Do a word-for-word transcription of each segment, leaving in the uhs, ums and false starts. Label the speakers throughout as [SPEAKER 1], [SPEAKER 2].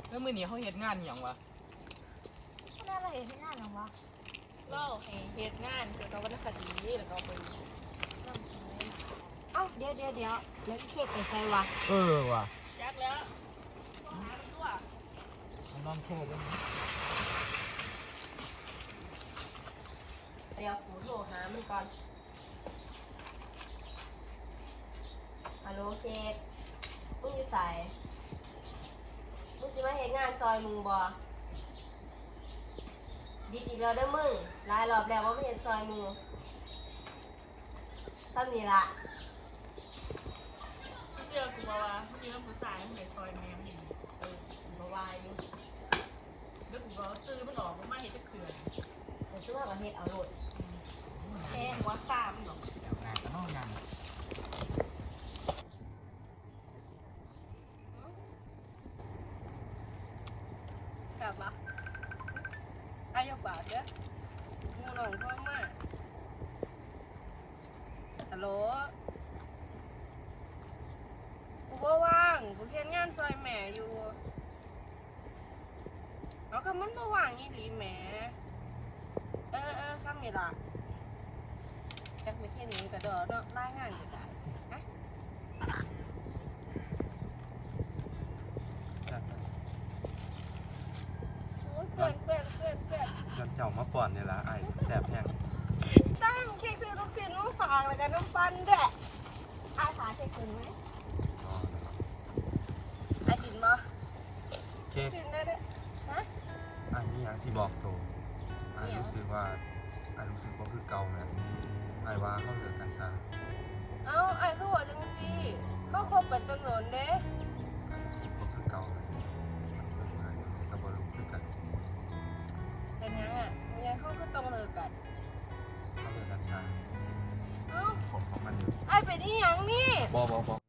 [SPEAKER 1] แล้วมื้อนี้เขาเฮ็ดงานหยังวะ
[SPEAKER 2] ไม่ได้เราเห็นที่งานหรอวะ
[SPEAKER 3] เล่าให้เฮ็ดงานเกี่ยวกับวรรณคดีแล้วก็ไปนำเสนอ
[SPEAKER 2] เอ้าเดี๋ยวเดี๋ยวเดี๋ยวแล้วเค้กไปใส่วะ
[SPEAKER 1] เออว่ะ
[SPEAKER 3] ยักแล้วต้องหามันตัว
[SPEAKER 1] มันนอนโทรไป
[SPEAKER 2] เดี๋ยวกูโทรหามันก่อนฮัลโหลเค้กมึงอยู่ใส่มึงสิมาเห็นงานซอยมึงบ่บิดอีกแล้วเด้อมึงหลายรอบแล้วว่าไม่เห็นซอยมึงซ้ำนี่ละ
[SPEAKER 3] เชื่อกูว่ามันอยู่น้ำผู้ชายมันเห็นซอยแม่มันอยู่
[SPEAKER 2] เออมาวายอยู่
[SPEAKER 3] แล้วกูก็ซื้อมันออกมันมาเห็นจะเขื่อน
[SPEAKER 2] แต่ซื้อมาประเทศเอาโหลด
[SPEAKER 3] แค่หัวซ่ามันหรอก
[SPEAKER 1] เดี๋ยวงานก็นอกงาน
[SPEAKER 3] กลับมาอายบาทเด้องูหลงพ่อมาฮัลโหลกูบ่ว่างกูเฮ็ดงานซอยแม่อยู่เอาคำมันบ่ว่างอีหลีแหมเออเออคำนี่ล่ะจักไม่แค่นี้ก็ดอเนาะรายงานอยู่ได้ฮะโอ้ยเพื่อนเพื่อนเพื่อนเพื่อน
[SPEAKER 1] ย้อนเจ้ามาป่อนนี่ล่ะไอ้แซ่บแห้ง
[SPEAKER 3] ตั้งเค้กซื้อลูกชิ้นมาฝากแล้วกันน้ำปั้นด้วย
[SPEAKER 2] อาขาเช็คคืนไหม
[SPEAKER 1] อ๋อ
[SPEAKER 3] ไอ้กินบ่
[SPEAKER 1] เค้ก
[SPEAKER 3] กินได้ด้วยฮะ
[SPEAKER 1] ไอ้นี่ยังสิบอกโตไอ้รู้สึกว่าไอ้รู้สึกว่าคือเก่านะไอ้ว่าเขาเลิกกันซะ
[SPEAKER 3] เอ้าไอ้รู้จังสิเขาคบกันจนหลนเด้
[SPEAKER 1] ไอ้รู้สึกว่าคือเก่าเลยไอ้ก็บ่รู้คือกัน
[SPEAKER 3] เป็นยังอ่ะมันยังเขาก็ต้องเลิกกัน
[SPEAKER 1] เขาเลิกกันซะ
[SPEAKER 3] เอ้า
[SPEAKER 1] ผมของมันอยู่
[SPEAKER 3] ไอ้เป็นนี่ยังนี่
[SPEAKER 1] บ่บ่บ่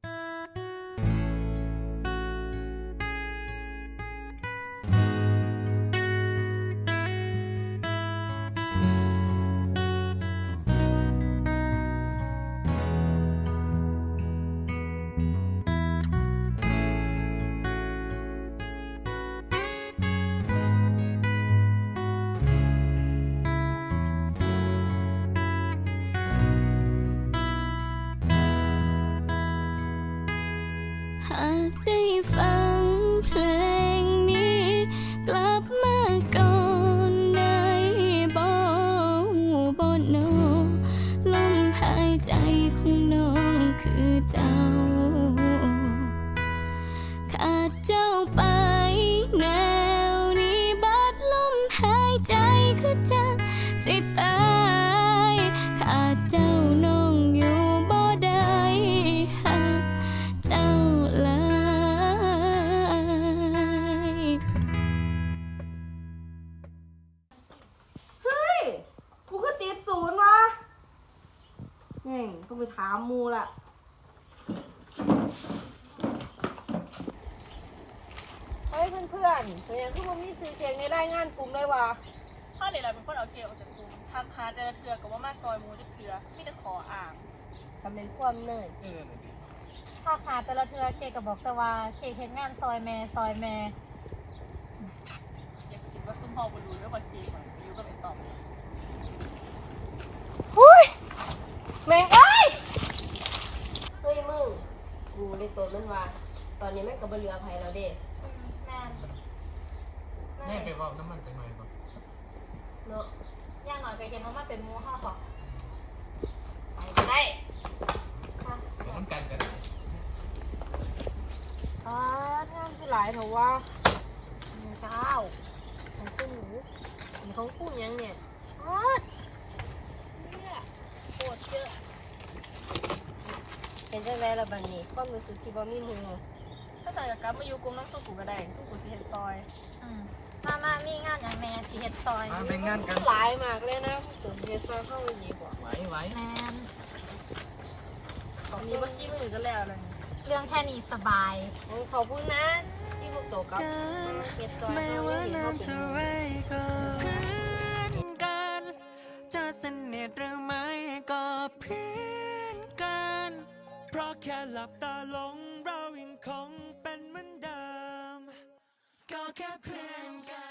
[SPEAKER 4] หากได้ฟังเพลงนี้กลับมาก่อนได้บ่บ่โนลมหายใจของน้องคือเจ้าขาดเจ้าไปแนวนี้บัดลมหายใจคือจังสิตายขาดเจ้าน้องอยู่บ่ได้หักเจ้า
[SPEAKER 3] เฮ้ยกูก็ติดศูนย์วะแม่งต้องไปถามมูล่ะเฮ้ยเพื่อนเพื่อนเป็นยังคือผมมีซื้อเค้กในรายงานกลุ่มเลยวะถ้าเดี๋ยวเราเป็นคนเอาเค้กออกจากกลุ่มทักหาแต่ละเทือกับว่ามาซอยหมูจะเทือไม่ได้ขออ่าง
[SPEAKER 2] ทำเป็นความเนย
[SPEAKER 1] เออนั่นดิ
[SPEAKER 2] ถ้าขาดแต่ละเทือเค้กก็บอกแต่ว่าเค้กเห็นงานซอยแม่ซอยแม่
[SPEAKER 3] อยากคิดว่าซุ่มพอบนรูแล้วว่าเค้กมันอยู่กับไอ้ตอบ
[SPEAKER 2] หุ้ยแม่เอ้ยเฮ้ยมึงกูเลยตัวมันว่าตอนนี้แม่งก็บ่เหลือไผแล้วเด้แม่น
[SPEAKER 1] แม่ไปว่าน้ำมันจังหน่อยบ่
[SPEAKER 2] เนาะย่างหน่อยก็เห็นว่ามันเป็นหมูห้าบอก
[SPEAKER 3] ไปได้
[SPEAKER 2] ค่ะ
[SPEAKER 1] มันกันกัน
[SPEAKER 3] อ่างานคือหลายเถอะว่า
[SPEAKER 2] เจ้าของคุณหนูมีของคุณยังเนี่ย
[SPEAKER 3] อ๋อเนี่ยโคตรเยอะ
[SPEAKER 2] เป็นจังไดล่ะบัดนี้ความรู้สึกที่บ่มีหมู่
[SPEAKER 3] ถ้าใส่กลับมาอยู่กลุ่มน้ำส้มกูก็ได้ส้มกูสิเห็นซอย
[SPEAKER 2] อืมมามามีงานอย่างแม่สิเฮ็ดซอย
[SPEAKER 1] มาเป็นงานกัน
[SPEAKER 3] หลายมากเลยนะตื่นเย็นซอยเข้าไปดีกว่า
[SPEAKER 1] ไหวไหว
[SPEAKER 2] แม่น
[SPEAKER 3] ของนี้เมื่อกี้มือก็แล้วเลย
[SPEAKER 2] เรื่องแค่นี้สบาย
[SPEAKER 3] ขอบคุณนะที่พวกโตกับเฮ็ดซอย
[SPEAKER 5] ไม่
[SPEAKER 3] เข้า
[SPEAKER 5] ว่า
[SPEAKER 3] ไปเห็น
[SPEAKER 5] นา
[SPEAKER 3] ว่าน เป็
[SPEAKER 5] เท่าน ไรก็เพื่อนกันจะสนิทหรือไม่ก็เพื่อนกัน เพราะแค่หลับตาลงเรายังคงเป็นเหมือนเดิมก็แค่เพื่อนกัน